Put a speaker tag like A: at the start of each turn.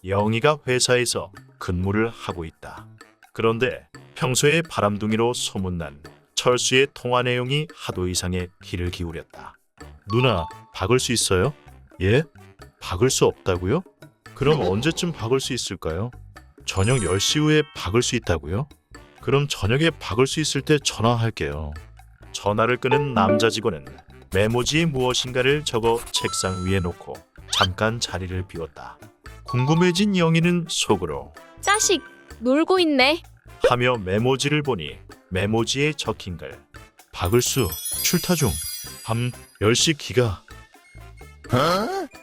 A: 영희가 회사에서 근무를 하고 있다. 그런데 평소에 바람둥이로 소문난 철수의 통화 내용이 하도 이상해 귀를 기울였다. 누나, 박을 수 있어요? 예? 박을 수 없다고요? 그럼 언제쯤 박을 수 있을까요? 저녁 10시 후에 박을 수 있다고요? 그럼 저녁에 박을 수 있을 때 전화할게요. 전화를 끄는 남자 직원은 메모지에 무엇인가를 적어 책상 위에 놓고 잠깐 자리를 비웠다. 궁금해진 영희는 속으로
B: 자식, 놀고 있네.
A: 하며 메모지를 보니 메모지에 적힌 글. 박을수 출타 중. 밤 10시 기가.